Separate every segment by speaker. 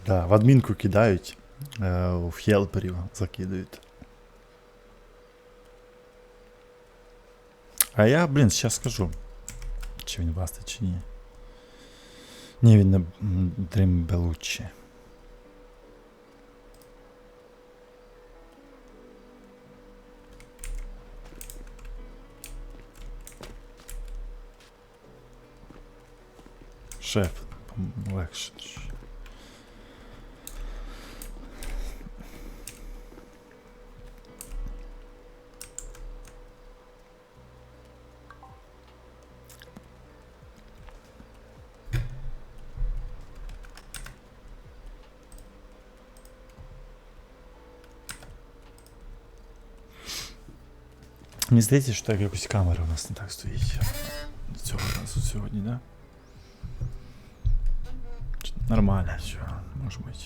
Speaker 1: Да, в адмінку кидають, в хелперів закидають. А я, блін, зараз скажу. Чи він вастить, чи ні. Ні, він не Дрім Белуччі. Шеф, легше. Мені здається, що так якось камера у нас не так стоїть. Цього разу сьогодні, да? Нормально, все, може бути.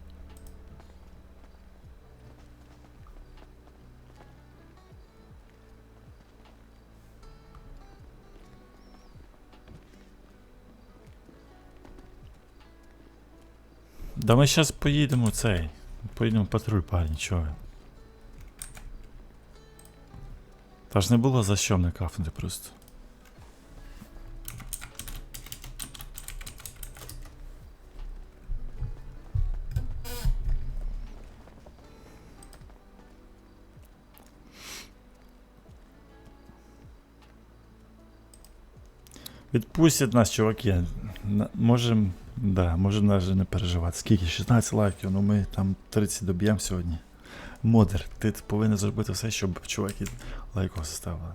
Speaker 1: Да ми зараз поїдемо цей. Поїдемо в патруль, парні, чого ви? Та ж не було за що мене кафнути просто. Відпустять нас, чуваки. Можем, да, можем навіть не переживати. Скільки? 16 лайків, ну ми там 30 доб'ємо сьогодні. Модер, ти повинен зробити все, щоб чуваки лайков заставили.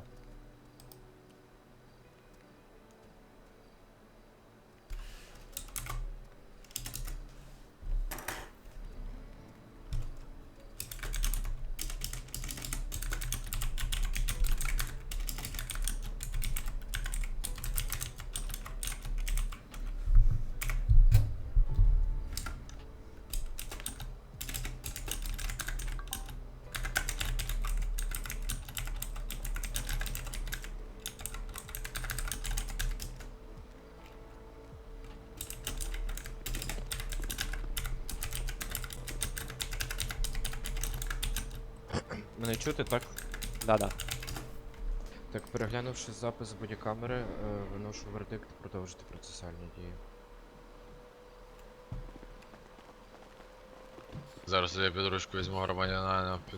Speaker 2: Мене чути, так?
Speaker 3: Да-да.
Speaker 2: Так, переглянувши запис з бодікамери, виношу вердикт продовжити процесуальні дії.
Speaker 4: Зараз я під ручку візьму громадянина під...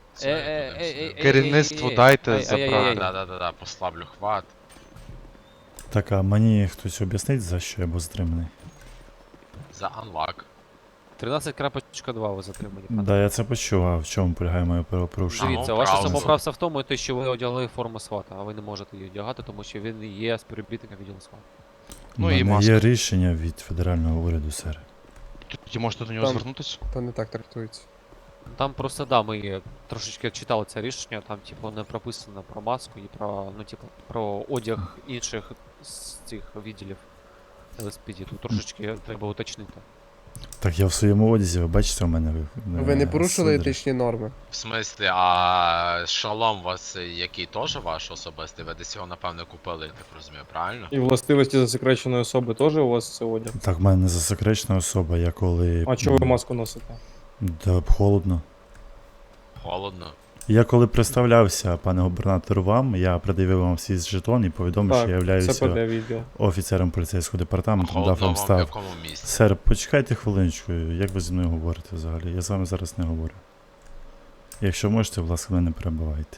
Speaker 5: Керівництву дайте забрати.
Speaker 4: Да, послаблю хват.
Speaker 1: Так, а мені хтось об'яснить, за що я був затриманий?
Speaker 4: За анлак.
Speaker 3: 13.2 ви затримані. пане.
Speaker 1: Да, я це почув, а в чому полягає моє правопорушення?
Speaker 3: Дивіться,
Speaker 4: Ну,
Speaker 3: ваша
Speaker 4: правильно.
Speaker 3: самоправця в тому, те, що ви одягли форму свата, а ви не можете її одягати, тому що він є співробітником відділу сват.
Speaker 1: У
Speaker 5: Ну і
Speaker 1: мене
Speaker 5: маска.
Speaker 1: є рішення від федерального уряду, сер.
Speaker 5: Тоді можете до нього
Speaker 6: Там-
Speaker 5: звернутися?
Speaker 6: То не так трактується.
Speaker 3: Там просто, да, ми трошечки читали це рішення, там, типу, не прописано про маску і про, ну, типу, про одяг інших з цих відділів ЛСПД. Тут трошечки треба уточнити.
Speaker 1: Так, я в своєму одязі, ви бачите, у мене...
Speaker 6: Ви не порушили
Speaker 1: сидри.
Speaker 6: етичні норми.
Speaker 4: В смислі, а шолом у вас який теж ваш особистий? Ви десь його, напевно, купили, я так розумію, правильно?
Speaker 7: І властивості засекреченої особи теж у вас це одяг?
Speaker 1: Так, в мене не засекречена особа, я коли...
Speaker 7: А чого ви маску носите?
Speaker 1: Да, холодно.
Speaker 4: Холодно.
Speaker 1: Я коли представлявся, пане губернатору, вам, я пред'явив вам свій жетон і повідомив, що я
Speaker 7: Так,
Speaker 1: являюся
Speaker 7: ЦПД відділ.
Speaker 1: офіцером поліцейського департаменту, дав
Speaker 4: Холодно
Speaker 1: вам
Speaker 4: вам в
Speaker 1: став.
Speaker 4: якому місці?
Speaker 1: Сер, почекайте хвилиночку, як ви зі мною говорите взагалі? Я з вами зараз не говорю. Якщо можете, будь ласка, мене не перебивайте.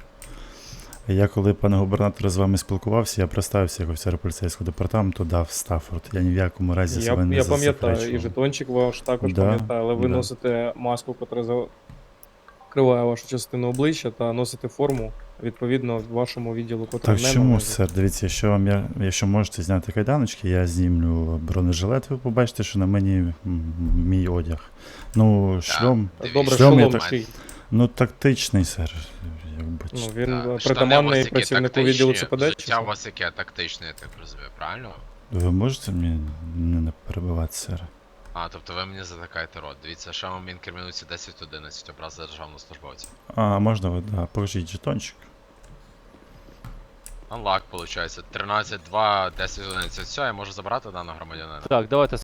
Speaker 1: Я коли, пане губернатор, з вами спілкувався, я представився як офіцер поліцейського департаменту, дав Стаффорд. Я ні в якому разі себе не
Speaker 7: Я пам'ятаю, і
Speaker 1: засекречував.
Speaker 7: жетончик ваш також
Speaker 1: Да,
Speaker 7: пам'ятаю, але ви
Speaker 1: да.
Speaker 7: носите маску, яка закриває вашу частину обличчя, та носите форму, відповідно, вашому відділу, котра
Speaker 1: Так
Speaker 7: не
Speaker 1: чому,
Speaker 7: належить.
Speaker 1: сер, дивіться, якщо можете зняти кайданочки, я знімлю бронежилет, ви побачите, що на мені мій одяг. Ну, шльом,
Speaker 4: Дивіться,
Speaker 7: Добре,
Speaker 1: Шльом я
Speaker 7: шолом
Speaker 1: так-
Speaker 7: чий?
Speaker 1: ну тактичний, сер. Якби,
Speaker 7: Ну,
Speaker 4: Так,
Speaker 7: він
Speaker 4: штани у
Speaker 7: притаманний
Speaker 4: вас які
Speaker 7: працівнику відділу
Speaker 4: тактичні,
Speaker 7: ЦПД, чи
Speaker 4: Життя у
Speaker 7: що?
Speaker 4: вас яке тактичне, я так розумію, правильно?
Speaker 1: Ви можете мені не перебивати, сер?
Speaker 4: А, тобто ви мені затикаєте рот. Дивіться, що вам інкримінується 10-11 образ державного службовця.
Speaker 1: А, можна ви, да, покажіть жетончик.
Speaker 4: Анлак, виходить, 13-2, 10-11. Все, я можу забрати даного громадянина.
Speaker 3: Так, давайте